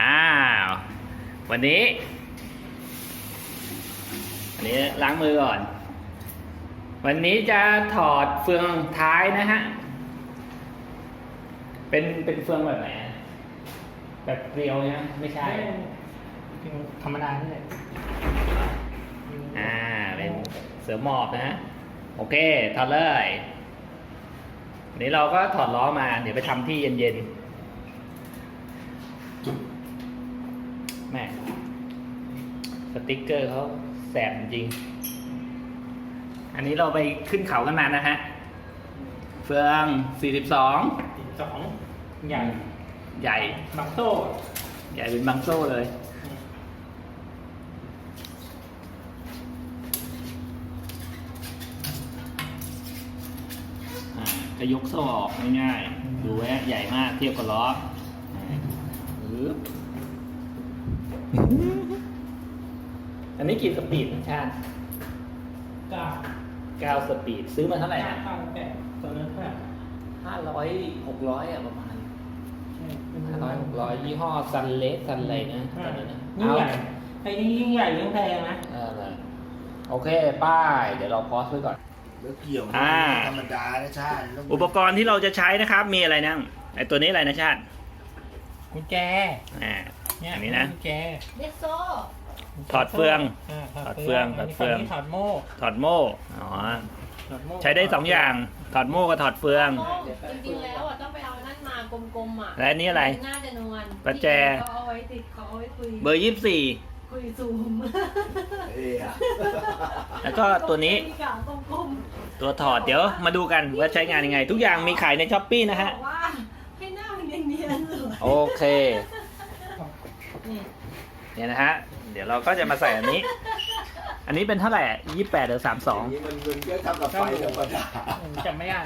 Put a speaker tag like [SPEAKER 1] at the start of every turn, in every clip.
[SPEAKER 1] อ้าววันนี้ล้างมือก่อนวันนี้จะถอดเฟืองท้ายนะฮะเป็นเฟืองแบบไหนแบบเกลียวนะไม่ใช่
[SPEAKER 2] ธรรมดานี่แหละ
[SPEAKER 1] เป็นเสือหมอบนะฮะโอเคถอดเลยนี้เราก็ถอดล้อมาเดี๋ยวไปทำที่เย็นๆแม่สติ๊กเกอร์เขาแสบจริงอันนี้เราไปขึ้นเขากันมานะฮะเฟือง42
[SPEAKER 2] ใหญ่บังโซ่
[SPEAKER 1] ใหญ่เป็นบังโซ่เลยก็ยกโซ่ออกง่ายๆดูไว้ใหญ่มากเทียบกับล้ออันนี้กี่สปีดชาติ9สปีดซื้อมาเท่าไหร่นะ
[SPEAKER 2] ตอนนั้นเท่าไหร่
[SPEAKER 1] 500-600ประมาณ500-600ยี่ห้อซันเลสซันอะไรนะ
[SPEAKER 2] ยิ่งใหญ่ไอ้นี่ยิ่งใหญ่ยิ่งแพงนะ
[SPEAKER 1] โอเคป้ายเดี๋ยวเราพอสไว้ก่อน
[SPEAKER 3] แล้วเกี่ยวธรรมดานะชาติ
[SPEAKER 1] อุปกรณ์ที่เราจะใช้นะครับมีอะไรนั่งไอตัวนี้อะไรนะชาติ
[SPEAKER 2] กุญแจ
[SPEAKER 1] อันนี้นะ
[SPEAKER 2] กุญแจ
[SPEAKER 4] เด็กโซ่
[SPEAKER 1] ถอดเฟือง
[SPEAKER 2] ถอดเฟืองถอดโม่
[SPEAKER 1] ใช้ได้2อย่างถอดโม่กับถอดเฟือง
[SPEAKER 4] จริงๆแล้วต้องไปเอานั่นมากลมๆ
[SPEAKER 1] และนี่อะไร
[SPEAKER 4] น่าจะนวล
[SPEAKER 1] ประแจ
[SPEAKER 4] เขาเอาไว้ติดเขาเอาไว้คุย
[SPEAKER 1] เบอร์24
[SPEAKER 4] คุยซูม
[SPEAKER 1] แล้วก็ตัวนี้ตัวถอดเดี๋ยวมาดูกันว่าใช้งานยังไงทุกอย่างมีขายในช้อปปี้นะฮะ
[SPEAKER 4] ให้หน้ามันเนียนๆเลย
[SPEAKER 1] โอเคเนี่ยนะฮะเดี๋ยวเราก็จะมาใส่อันนี้เป็นเท่าไหร่28หรือ32
[SPEAKER 3] นี่มันก็ทำกับไฟธรรมดา
[SPEAKER 2] จำไม่ได้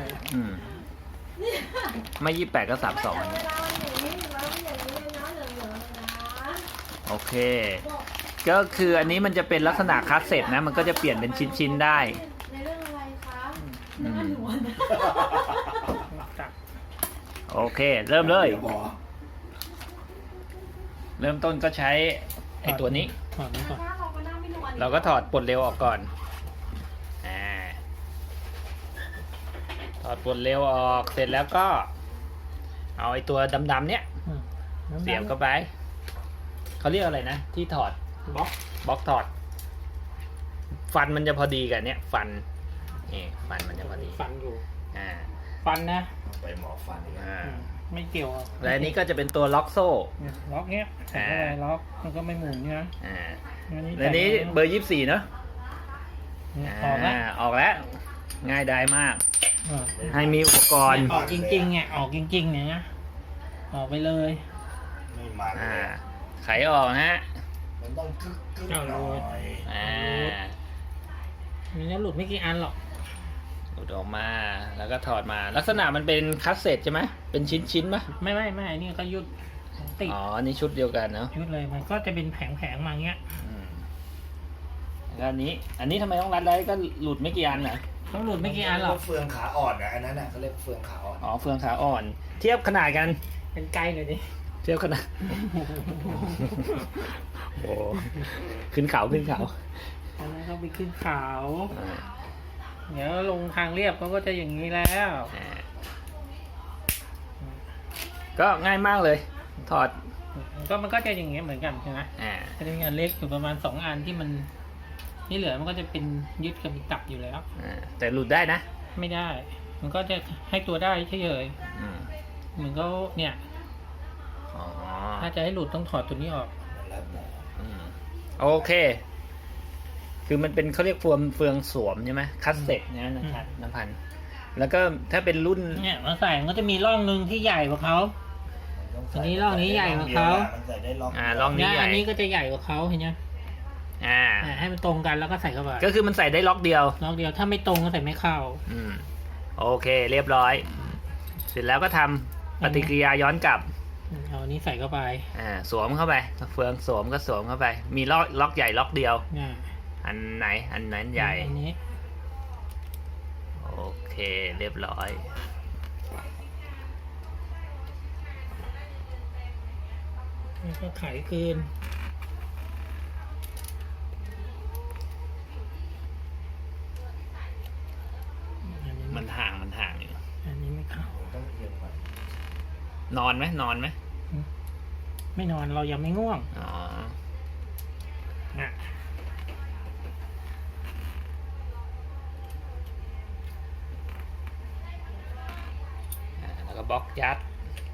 [SPEAKER 1] ไม่28ก็32โอเคก็คืออันนี้มันจะเป็นลักษณะคัสเซ็ตนะมันก็จะเปลี่ยนเป็นชิ้นๆได้
[SPEAKER 4] ในเรื่องอะไรคะหน้าหนวล
[SPEAKER 1] โอเคเริ่มเลยเริ่มต้นก็ใช้ไอ้ตัวนี้เราก็ถอดปลดเร็วออกก่อนถอดปลดเร็วออกเสร็จแล้วก็เอาไอ้ตัวดำๆเนี้ยเสียบเข้าไปเขาเรียกอะไรนะที่ถอดบล็อกถอดฟันมันจะพอดีกันเนี้ยฟันฟันมันจะพอดี
[SPEAKER 2] ฟันอยู่ฟันนะ
[SPEAKER 3] ไปหมอฟัน
[SPEAKER 2] ไม่เกี่ยว
[SPEAKER 1] และอันนี้ก็จะเป็นตัวล็อกโซ่
[SPEAKER 2] ล็อกเนี้ยล็อกมันก็ไม่หมุนนะ
[SPEAKER 1] และนี้เบอร์24เนาะออกแล้วง่ายได้มากให้มีอุปกรณ์
[SPEAKER 2] ออกจริงๆเนี่ยออกจริงๆเนี่ยนะออกไปเลย
[SPEAKER 3] ไม่มัน
[SPEAKER 1] ไขออกนะฮะ
[SPEAKER 3] มันต้องกึกหน่อย
[SPEAKER 2] มีเนื้อหลุดไม่กี่อันหรอก
[SPEAKER 1] หลุดออกมาแล้วก็ถอดมาลักษณะมันเป็นคัสเซ็ตใช่ไหมเป็นชิ้นๆปะ
[SPEAKER 2] ไม่นี่ก็ยุด
[SPEAKER 1] ติดนี่ชุดเดียวกันเนาะ
[SPEAKER 2] ชุดเลยมันก็จะเป็นแผงมาเงี้ย
[SPEAKER 1] แล้วอันนี้ทำไมต้องรัดได้ก็หลุดไม่กี่อันเหรอ
[SPEAKER 2] ต้องหลุดไม่กี่อันหรอก
[SPEAKER 3] เฟืองขาอ่อนนะอันนั้นน่ะเขาเรียกเฟืองขาอ่อน
[SPEAKER 1] เฟืองขาอ่อนเทียบขนาดกัน
[SPEAKER 2] เป็นไกลเลยดิ
[SPEAKER 1] เทียบขนาดโอ้ขึ้นเขา
[SPEAKER 2] อันนั้นเขาไปขึ้นเขาเดี๋ยวลงทางเรียบเขาก็จะอย่างนี้แล้ว
[SPEAKER 1] ก็ง่ายมากเลยถอด
[SPEAKER 2] ก็มันก็จะอย่างเงี้ยเหมือนกันใช่ไหมจะมีอันเล็กอยู่ประมาณ2อันที่มันนี่เหลือมันก็จะเป็นยึดกับตับอยู่แล้ว
[SPEAKER 1] แต่หลุดได้นะ
[SPEAKER 2] ไม่ได้มันก็จะให้ตัวได้เฉยๆเหมือนก็เนี่ยถ้าจะให้หลุดต้องถอดตัวนี้ออก
[SPEAKER 1] โอเคคือมันเป็นเขาเรียกเฟืองสวมใช่ไหมคัสเซ็ตเนี่ยนะครับน้ำพันแล้วก็ถ้าเป็นรุ่น
[SPEAKER 2] เนี่ยมาใส่มันก็จะมีร่องนึงที่ใหญ่กว่าเขาอันนี้ร่องนี้ใหญ่กว่าเขา
[SPEAKER 1] ร่องนี้
[SPEAKER 2] อันนี้ก็จะใหญ่กว่าเขาเห็นไหมให้มันตรงกันแล้วก็ใส่เข้าไป
[SPEAKER 1] ก็คือมันใส่ได้ล็อกเดียว
[SPEAKER 2] ถ้าไม่ตรงก็ใส่ไม่เข้า
[SPEAKER 1] โอเคเรียบร้อยเสร็จแล้วก็ทำปฏิกิริยาย้อนกลับ
[SPEAKER 2] เอาอันนี้ใส่เข้าไป
[SPEAKER 1] สวมเข้าไปเฟืองสวมก็สวมเข้าไปมีล็อกใหญ่ล็อกเดียวอันไหนใหญ่
[SPEAKER 2] อันนี้
[SPEAKER 1] โอเคเรียบร้อย
[SPEAKER 2] แล้วก็ไขคืนอันนี้
[SPEAKER 1] มันห่างอยู่
[SPEAKER 2] อันนี้ไม่เข้า
[SPEAKER 3] ต้องเอียงก่อน
[SPEAKER 1] นอนไหม
[SPEAKER 2] ไม่นอนเรายังไม่ง่วง
[SPEAKER 1] อ๋อ
[SPEAKER 2] อ่ะ
[SPEAKER 1] แล้วก็บล็อกยัด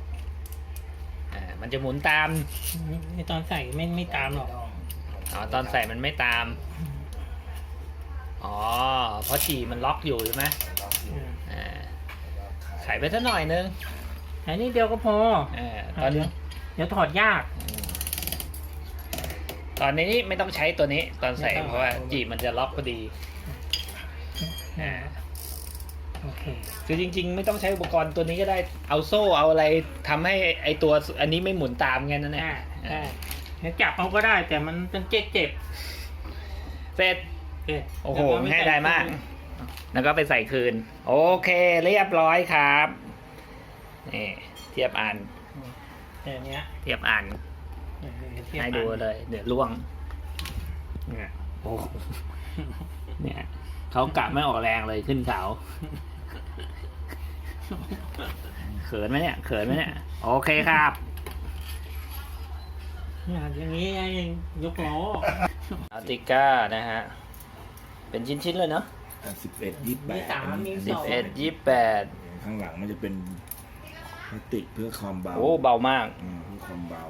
[SPEAKER 1] มันจะหมุนตาม
[SPEAKER 2] ในตอนใส่ไม่ตามหรอก
[SPEAKER 1] อ๋อ ตอนใส่มันไม่ตาม อ๋อ เพราะจีมันล็อกอยู่ใช่ไหม
[SPEAKER 3] ล็อกอยู่
[SPEAKER 1] ไขไปสักหน่อยนึง
[SPEAKER 2] อันนี้เดียวก็พอ
[SPEAKER 1] ตอนนี้
[SPEAKER 2] เดี๋ยวถอดยาก
[SPEAKER 1] ตอนนี้ไม่ต้องใช้ตัวนี้ ตอนใส่
[SPEAKER 2] ไม่ต้อง
[SPEAKER 1] เพราะว่าจีมันจะล็อกพอดี
[SPEAKER 2] โอเค
[SPEAKER 1] คือจริงๆ ไม่ต้องใช้อุปกรณ์ตัวนี้ก็ได้ เอาโซ่เอาอะไรทำให้ไอตัวอันนี้ไม่หมุนตามไงนั่นแหละ
[SPEAKER 2] ใช่เดี๋ยวจับเอาก็ได้แต่มันเป็นเจ็บ
[SPEAKER 1] เสร็จ
[SPEAKER 2] ๆ
[SPEAKER 1] โอ้โหง่ายดายมาก แล้วก็ไปใส่คืน โอเค เรียบร้อยครับ นี่เทียบอ่าน
[SPEAKER 2] แต่เนี้ย
[SPEAKER 1] เทียบอ่าน ให้ดูเลย เดี๋ยวล่วง เนี่ยโอ้โหเนี่ยเขากะไม่ออกแรงเลยขึ้นเขาเขินไหมเนี่ย โอเคครับ
[SPEAKER 2] อย่างนี้เองยกล้อ
[SPEAKER 1] อาร์ติก้านะฮะ เป็นชิ้นๆเลยเนาะ
[SPEAKER 3] 11 28
[SPEAKER 2] มีสามมี
[SPEAKER 1] 11
[SPEAKER 3] ข้างหลังมันจะเป็นพลาสติกเพื่อความเบา
[SPEAKER 1] 28 โอ้เบามาก
[SPEAKER 3] เพื่อความเบา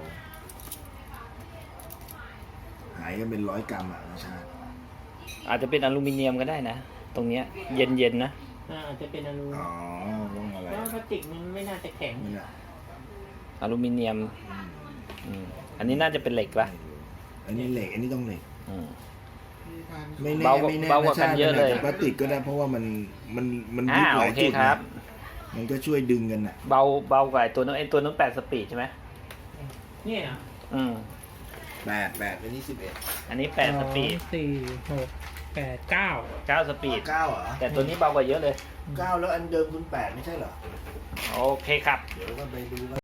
[SPEAKER 3] หายกันเป็น100 กรัมอ่ะนะชาติ
[SPEAKER 1] อาจจะเป็นอลูมิเนียมก็ได้นะ ตรงเนี้ยเย็นๆนะ
[SPEAKER 2] อาจจะเป็นอลู
[SPEAKER 3] อ๋อต้องอะไร
[SPEAKER 2] เพราะพลาสติกมันไม่น่าจะแข็ง
[SPEAKER 3] นี่แหละ
[SPEAKER 1] อลูมิเนียม อันนี้น่าจะเป็นเหล็กปะ
[SPEAKER 3] อันนี้เหล็ก อันนี้ต้องเหล็ก
[SPEAKER 1] อืม
[SPEAKER 3] ไม่แน่
[SPEAKER 1] เบากว่า
[SPEAKER 3] ไม่แน่
[SPEAKER 1] เบากว่ากันเยอะเลย
[SPEAKER 3] พลาสติกก็ได้เพราะว่ามันยึดห
[SPEAKER 1] โอ
[SPEAKER 3] ลาย
[SPEAKER 1] เค
[SPEAKER 3] จุด
[SPEAKER 1] ครับ
[SPEAKER 3] นะมันก็ช่วยดึงกันอ่ะ
[SPEAKER 1] เบากว่าไอ้ตัวนู้น8 สปีดใช่ไหม
[SPEAKER 2] เนี่ย
[SPEAKER 1] อืม
[SPEAKER 3] 8 อันนี้ 11
[SPEAKER 1] อันนี้8 สปีด
[SPEAKER 2] 4 6 8 9
[SPEAKER 1] 9 สปีด
[SPEAKER 3] 9เหรอ
[SPEAKER 1] แต่ตัวนี้เบากว่าเยอะเลย
[SPEAKER 3] 9แล้วอันเดิมคุณ8ไม่ใช่เหรอ
[SPEAKER 1] โอเคครับ
[SPEAKER 3] เดี๋ยวก็ไปดู